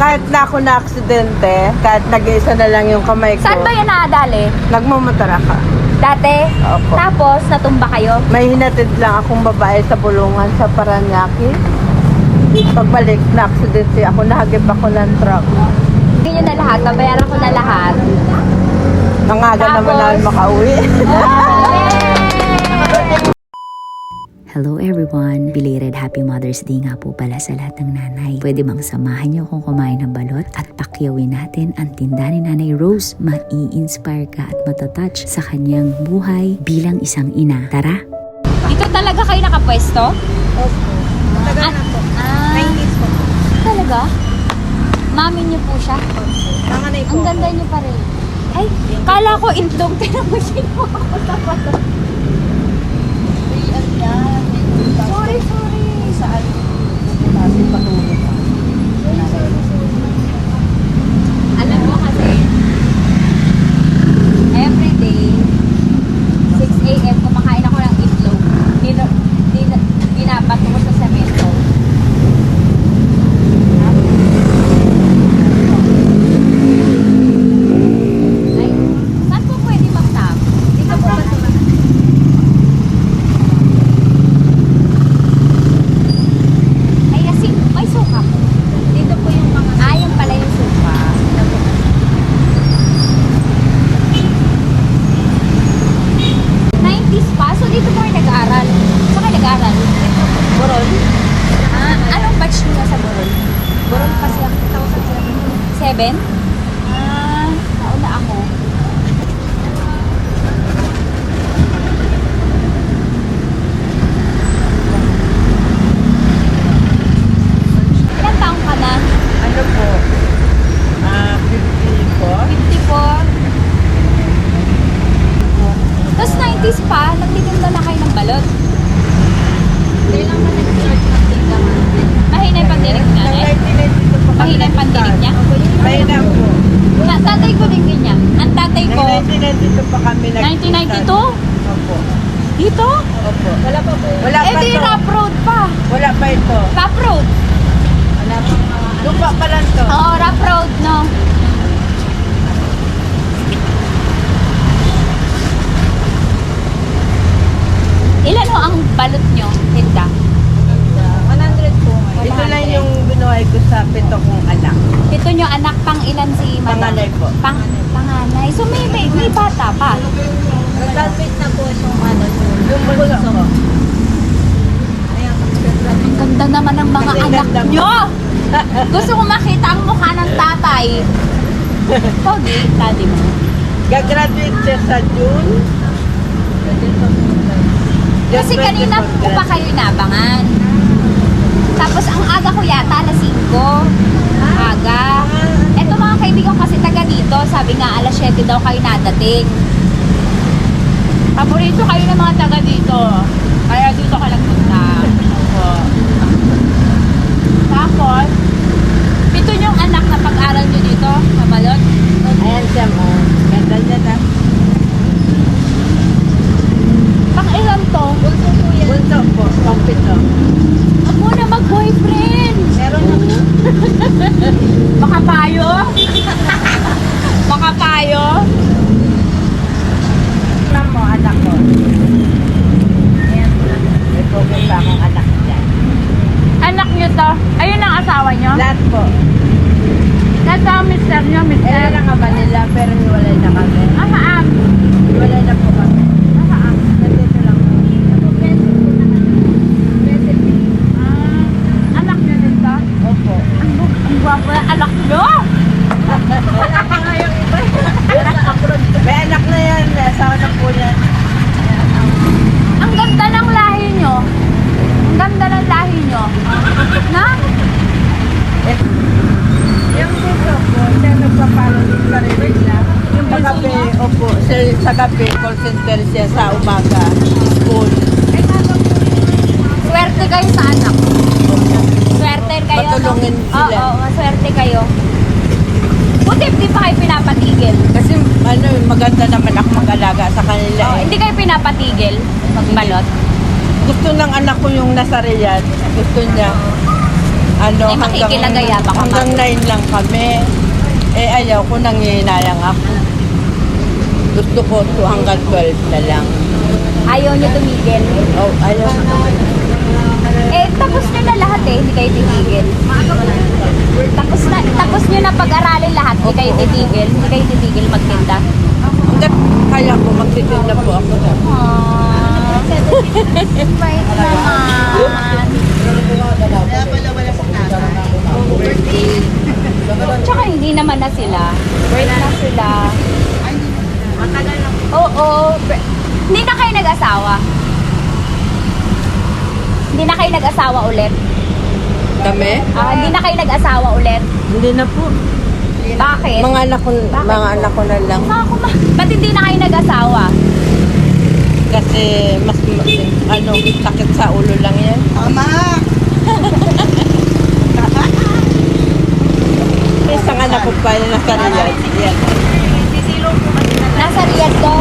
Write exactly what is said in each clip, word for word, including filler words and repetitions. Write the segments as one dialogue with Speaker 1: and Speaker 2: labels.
Speaker 1: kahit na ako na aksidente, kahit nag-iisa na lang yung kamay ko.
Speaker 2: Saan ba yan nakadali?
Speaker 1: Nagmamotor ako.
Speaker 2: Dati?
Speaker 1: Opo.
Speaker 2: Tapos, natumba kayo?
Speaker 1: May hinatid lang akong babae sa bulungan sa Paranaque. Pagbalik na aksidente ako, nahagip ako ng truck.
Speaker 2: Ganyan na lahat, babayaran ko na lahat.
Speaker 1: Nangaga
Speaker 2: Tapos-
Speaker 1: naman namin makauwi.
Speaker 3: Hello everyone! Belated Happy Mother's Day nga po pala sa lahat ng nanay. Pwede bang samahan niyo akong kumain ng balot at pakyawin natin ang tinda ni Nanay Rose? Mai-inspire ka at matatouch sa kanyang buhay bilang isang ina. Tara!
Speaker 2: Dito talaga kayo nakapwesto?
Speaker 1: Opo. Tagal na po.
Speaker 2: Ah,
Speaker 1: nineties po.
Speaker 2: talaga? Mami niyo po siya?
Speaker 1: Nanganay
Speaker 2: Ang ganda niyo pa rin. Ay, kala ko itlog. Tinan mo siya ako sa pato. Sorry, sorry.
Speaker 1: Saan? Kasi patulog ka.
Speaker 2: Alam mo kasi, everyday, six a m kumakain ako ng itlog. Dino, dino, dinapat ko sa semento. Ay, saan po pwede mag-tap? Dito po ba ito? Ay, kasi may suka po. Dito po yung mga... Ah, yung pala yung suka. nineties pa? So dito po kayo nag-aaral? Saan kayo nag-aaral? Borol? Ah, anong batch niyo sa Borol? Borol kasi ako. two thousand seven. Seven? Ah, nauna ako. Ilan taong ka na?
Speaker 1: Ano po? Ah, fifty-four?
Speaker 2: fifty-four. Tapos nineties pa, nagtitinda na kayo ng balot. Kailan ba nag-start magtinda? Mahina yung pandinig niya,
Speaker 1: Nang
Speaker 2: eh?
Speaker 1: nineteen ninety-two po kami
Speaker 2: Mahina yung pandinig niya?
Speaker 1: Mahina po.
Speaker 2: Na, tatay ko din ganyan. Ang tatay ko,
Speaker 1: Nang nineteen ninety-two pa kami nag-
Speaker 2: nineteen ninety-two?
Speaker 1: Opo.
Speaker 2: Dito?
Speaker 1: Opo. Wala pa po. Wala
Speaker 2: Eh
Speaker 1: pa
Speaker 2: di
Speaker 1: to.
Speaker 2: rough road pa.
Speaker 1: Wala pa ito.
Speaker 2: Rough road.
Speaker 1: Wala pa. Lupa pa lang to.
Speaker 2: Oo, rough road, no? Ilan ho ang balot nyo, Hilda?
Speaker 1: one hundred po. Ito lang yung binuhay ko sa pito kong anak.
Speaker 2: Ito nyo anak, pang ilan si Madam?
Speaker 1: Panganay po.
Speaker 2: Pang, panganay. So may, may, may bata pa.
Speaker 1: Nag-graduate na po yung ano, yung bunso ko.
Speaker 2: Ang ganda naman ng mga
Speaker 1: Kasi
Speaker 2: anak
Speaker 1: ganda mo.
Speaker 2: nyo! Gusto ko makita ang mukha ng tatay. Pogi, daddy mo.
Speaker 1: Gagraduate siya sa June. June
Speaker 2: Kasi kanina
Speaker 1: twenty-four
Speaker 2: ko pa kayo inabangan. Tapos ang aga ko yata, alas singko. Aga. Eto mga kaibigan kasi taga dito, sabi nga alas siyete daw kayo nadating. Paborito kayo ng mga taga dito. Kaya dito ka lang punta. Opo. Tapos, ito yung anak na pag-aral nyo dito, mabalot.
Speaker 1: Ayan siya mo. Ganda niya na.
Speaker 2: Pang ilan to? Bunso po yan.
Speaker 1: Bunso po. Pampito.
Speaker 2: Huwag mo na mag-boyfriend.
Speaker 1: Meron na.
Speaker 2: Baka payo? Baka payo?
Speaker 1: Alam mo, anak ko. Ayan. May pogi pa akong anak niya.
Speaker 2: Anak nyo to? Ayun ang asawa nyo?
Speaker 1: Lahat po.
Speaker 2: Nasa mister nyo,
Speaker 1: Eh,
Speaker 2: mister?
Speaker 1: lang nga ba nila? Pero hiwalay na kami.
Speaker 2: Ah, maam.
Speaker 1: Hiwalay na po kami.
Speaker 2: Ah, maam.
Speaker 1: Nandito lang.
Speaker 2: Ah, anak nyo din to?
Speaker 1: Opo.
Speaker 2: Ang, bu- ang gwapo na anak nyo!
Speaker 1: Wala pa nga yung iba. May anak na yan. Asawa na po yan.
Speaker 2: Ang ganda ng lahi nyo. Ang ganda ng lahi nyo. Na?
Speaker 1: Yung dito po, siya nagpapalo din pa rin siya. Yung sa gabi, opo, siya sa gabi, call center siya sa umaga, school.
Speaker 2: Swerte kayo sa anak. Swerte kayo.
Speaker 1: Matulungin
Speaker 2: no?
Speaker 1: sila.
Speaker 2: Oo, oo, swerte kayo. Buti hindi pa kayo pinapatigil.
Speaker 1: Kasi ano, maganda naman ako mag-alaga sa kanila.
Speaker 2: Oo,
Speaker 1: eh.
Speaker 2: hindi kayo pinapatigil magbalot.
Speaker 1: Gusto ng anak ko yung nasa Riyadh. Gusto niya. ano,
Speaker 2: May makikilagaya pa ka,
Speaker 1: hanggang nine lang kami. Eh, ayaw ko, nangihinayang ako. Gusto ko to hanggang twelve na lang.
Speaker 2: Ayaw niyo tumigil.
Speaker 1: Oh, ayaw ko.
Speaker 2: Eh, tapos nyo na lahat eh, hindi kayo titigil. Tapos na, tapos nyo na pag-aralin lahat, hindi kayo titigil. Hindi kayo titigil magtinda.
Speaker 1: Hanggang kaya ko, magtitinda po ako.
Speaker 2: Aww. Bait naman. Tsaka hindi naman na sila. Break na sila. Oo. bre- Hindi na kayo nag-asawa. Hindi na kayo nag-asawa ulit.
Speaker 1: Kami?
Speaker 2: Ah, hindi na kayo nag-asawa ulit.
Speaker 1: Hindi na po.
Speaker 2: Bakit?
Speaker 1: Mga anak ko, mga anak ko na lang.
Speaker 2: Mga kuma. Ba't hindi na kayo nag-asawa?
Speaker 1: Kasi mas, ano, sakit sa ulo lang yan. Tama! Isang anak ko pa yung nasa Riyadh. Yan.
Speaker 2: Nasa Riyadh ko?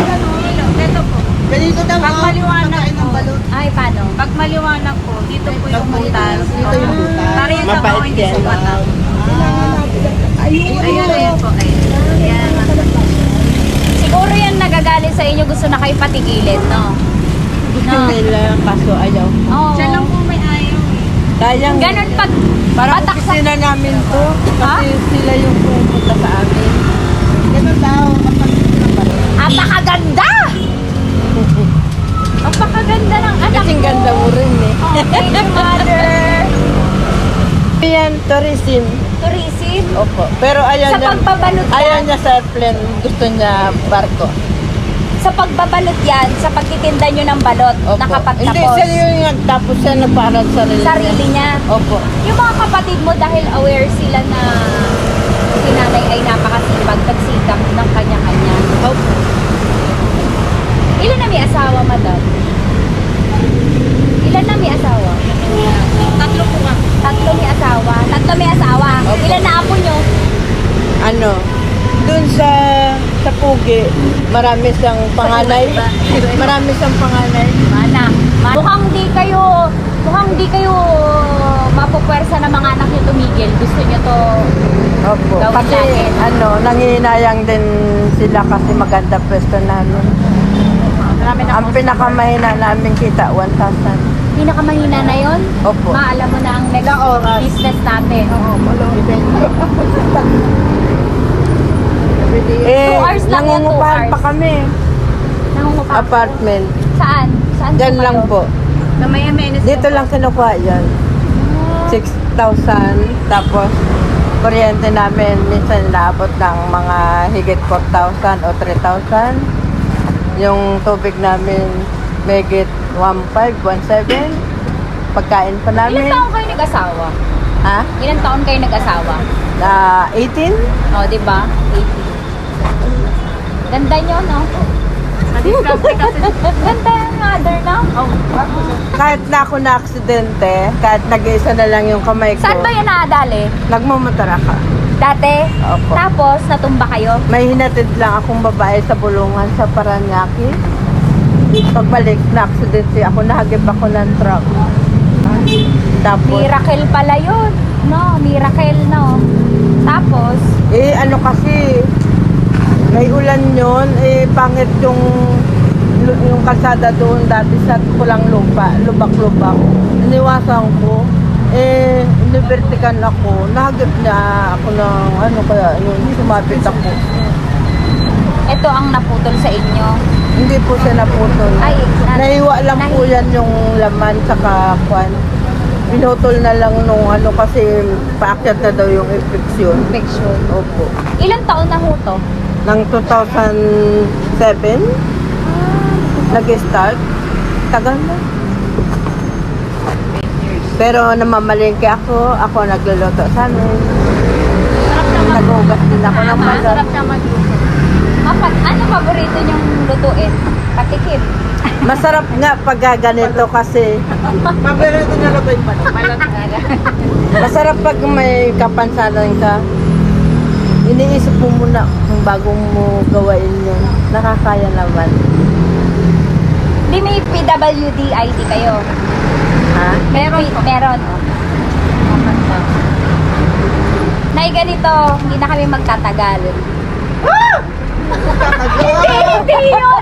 Speaker 4: Ganito daw.
Speaker 5: Pag maliwanag
Speaker 4: Pagkain ng
Speaker 5: po,
Speaker 4: balot.
Speaker 2: Ay, paano?
Speaker 5: pag maliwanag po, dito po yung butas.
Speaker 4: Dito yung butas.
Speaker 5: Para yan sa
Speaker 1: Mabait
Speaker 5: mga hindi
Speaker 1: yan.
Speaker 5: sumata.
Speaker 4: Ayun.
Speaker 5: Ayun, ayun po. Ayun. Yan.
Speaker 2: Siguro yan nagagalit sa inyo, gusto na kayo patigilin, no?
Speaker 1: Gusto nila, kaso ayaw.
Speaker 2: Oo.
Speaker 5: Siya lang po may ayaw.
Speaker 1: Sayang.
Speaker 2: Ganun pag
Speaker 1: Parang
Speaker 2: patak sa...
Speaker 1: opisina namin to.
Speaker 2: Ha?
Speaker 1: Kasi sila yung pumunta sa amin.
Speaker 4: Ganun daw. Kapag
Speaker 2: Apakaganda! Apakaganda ng anak
Speaker 1: Kasing
Speaker 2: mo.
Speaker 1: ganda mo rin eh.
Speaker 2: Oh, thank you, mother.
Speaker 1: Yan, tourism.
Speaker 2: Tourism?
Speaker 1: Opo. Pero ayaw
Speaker 2: Sa
Speaker 1: niya,
Speaker 2: pagbabalot
Speaker 1: ayaw
Speaker 2: yan,
Speaker 1: niya sa airplane. Gusto niya barko.
Speaker 2: sa pagbabalot yan, sa pagtitinda nyo ng balot,
Speaker 1: Opo. Hindi,
Speaker 2: nakapagtapos.
Speaker 1: siya yung nagtapos siya na para sa sarili niya.
Speaker 2: Sarili niya.
Speaker 1: Opo.
Speaker 2: Yung mga kapatid mo, dahil aware sila na si nanay ay napakasipag, nagsikap ng kanya-kanya.
Speaker 1: Opo.
Speaker 2: Ilan na may asawa, madam? Ilan na may asawa?
Speaker 5: Tatlo po ka.
Speaker 2: Tatlo may asawa. Tatlo may asawa.
Speaker 1: Opo.
Speaker 2: Ilan na apo nyo?
Speaker 1: Ano, dun sa sa Pugi, marami siyang panganay. Marami siyang panganay.
Speaker 2: Mana. Ma- mukhang di kayo, mukhang di kayo mapupwersa ng mga anak nyo tumigil. Gusto nyo to
Speaker 1: Opo.
Speaker 2: Gawin
Speaker 1: Kasi
Speaker 2: natin.
Speaker 1: ano, nangihinayang din sila kasi maganda pwesto namin.
Speaker 2: marami na
Speaker 1: Ang pinakamahina namin kita, one thousand.
Speaker 2: pinakamahina na yon.
Speaker 1: Opo.
Speaker 2: Ma, alam mo na ang next
Speaker 4: Ilang oras?
Speaker 2: business natin.
Speaker 4: Oo, malong event.
Speaker 1: Eh,
Speaker 2: Two hours lang yan, two
Speaker 1: nangungupahan
Speaker 2: hours.
Speaker 1: pa kami.
Speaker 2: Nangungupa.
Speaker 1: Apartment.
Speaker 2: Saan? Saan
Speaker 1: Diyan
Speaker 2: po
Speaker 1: lang
Speaker 2: kayo?
Speaker 1: po.
Speaker 5: Na may M N S
Speaker 1: Dito lang kinukuha yan. six thousand. Tapos, kuryente namin minsan naabot ng mga higit four thousand o three thousand. Yung tubig namin megit one five, one seven. Pagkain pa
Speaker 2: Ilan
Speaker 1: namin.
Speaker 2: taon kayo nag-asawa?
Speaker 1: Ha?
Speaker 2: Ilan taon kayo nag-asawa?
Speaker 1: Ah, eighteen?
Speaker 2: O, di ba? eighteen. Ganda nyo, no?
Speaker 5: Discovery kasi.
Speaker 2: Ganda yung mother, no?
Speaker 5: Oh.
Speaker 1: Kahit na ako na aksidente, kahit nag-iisa na lang yung kamay ko,
Speaker 2: Saan ba yan nakadali?
Speaker 1: nagmamatara ka.
Speaker 2: Dati?
Speaker 1: Opo.
Speaker 2: Tapos, natumba kayo?
Speaker 1: May hinatid lang akong babae sa bulungan sa Paranaque. Pagbalik na aksidente ako, nahagip ako ng truck. Tapos,
Speaker 2: Miracle pala yun. No, miracle, no? Tapos,
Speaker 1: eh ano kasi, may ulan yun, eh pangit yung yung kalsada doon dati sa kulang lupa, lubak-lubak. Iniwasan ko, eh, inibertikan ako, nahagip niya ako ng ano kaya, yun, sumabit ako.
Speaker 2: ito ang naputol sa inyo.
Speaker 1: Hindi po siya naputol.
Speaker 2: Ay, na-
Speaker 1: Naiwa lang po
Speaker 2: nahi-
Speaker 1: yan yung laman saka kwan. Pinutol na lang nung ano kasi paakyat na daw yung infection.
Speaker 2: Infection.
Speaker 1: Opo.
Speaker 2: Ilang taon na ho to?
Speaker 1: Nang two thousand seven, nag-start. Tagal na. Pero namamalengke ako, ako nagluluto sa amin.
Speaker 2: Sarap naman.
Speaker 1: Nag-ugas din ako ng
Speaker 2: Tama,
Speaker 1: balat.
Speaker 2: sarap naman luto. Kapag ano paborito niyong lutuin? Patikim.
Speaker 1: Masarap nga pag ganito kasi
Speaker 4: Paborito na lang ba yung balot?
Speaker 2: Balot nga.
Speaker 1: masarap pag may kapansanan ka. Iniisip mo muna kung bago mo gawain yun. Nakakaya naman.
Speaker 2: Di may P W D I D kayo?
Speaker 1: Ha?
Speaker 2: Meron po. Meron. oh. Nay, ganito, hindi na kami magtatagal.
Speaker 4: Katagal.
Speaker 2: Hindi yun!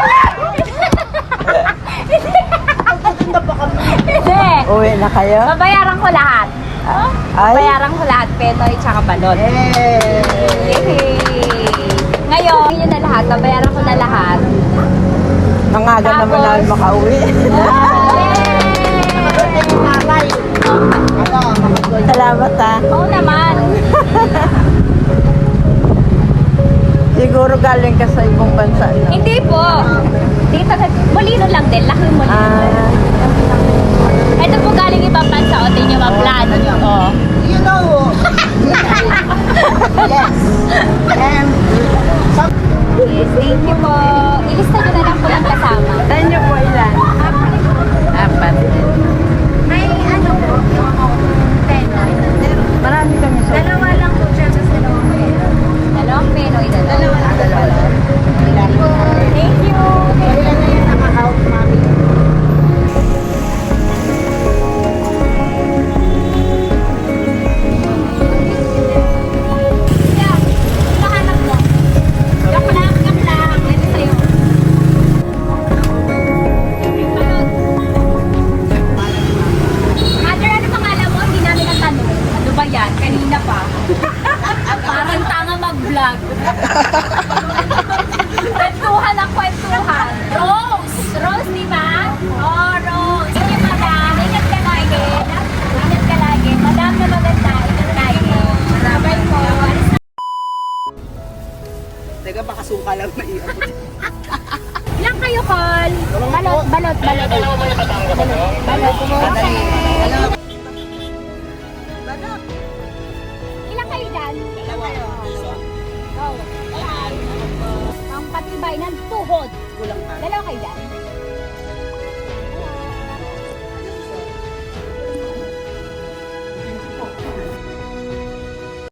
Speaker 4: Magtitinda pa kami.
Speaker 2: Hindi!
Speaker 1: Uwi na kayo?
Speaker 2: Babayaran ko lahat.
Speaker 1: Ay,
Speaker 2: Babayaran ko lahat, penoy tsaka balot.
Speaker 4: Eh.
Speaker 2: Yay! Ngayon, yun na lahat, babayaran ko na lahat.
Speaker 1: ang aga naman
Speaker 2: Tapos-
Speaker 1: namin makauwi.
Speaker 4: Birthday ni nanay. Ano, makasol.
Speaker 1: Salamat ha.
Speaker 2: Oo naman.
Speaker 1: Siguro galing ka sa ibang bansa. No?
Speaker 2: Hindi po. Dito sa Molino lang din, laki Molino.
Speaker 1: Ah,
Speaker 2: Ito po galing ibang bansa, o tingin nyo ma-plan. Oh.
Speaker 4: You know. Yes. And some
Speaker 2: Yes, thank you po. Ilista nyo na lang po lang kasama.
Speaker 1: saan niyo po ilan? Apat.
Speaker 2: May ano po, penoy.
Speaker 1: Marami kami sa
Speaker 2: Dalawa lang po siya sa dalawang penoy. Dalawang penoy na dalawa lang. Dalawa lang. Thank you.
Speaker 4: kailan na yan naka-out, mami?
Speaker 2: Yeah, hinahanap mo. Joke lang, joke lang. Ito sa'yo. Mother, ano pangalan mo? Hindi namin natanong. Ano ba yan? Kanina pa. Parang tanga mag-vlog. Kwentuhan ang kwentuhan. Rose! Rose, di ba? Oh, Rose. Thank you, madam. Ingat ka lagi. Ingat ka lagi. Madam na maganda. Ingat lagi. Bye po. Alis na.
Speaker 4: Teka, baka suka lang na iabot.
Speaker 2: Ilang kayo, Col? Balot, balot, balot. Balot. Balot. Ilang kayo dyan? Go. Ang patibay ng tuhod.
Speaker 4: Kulang pa.
Speaker 2: Dalawa kayo dyan?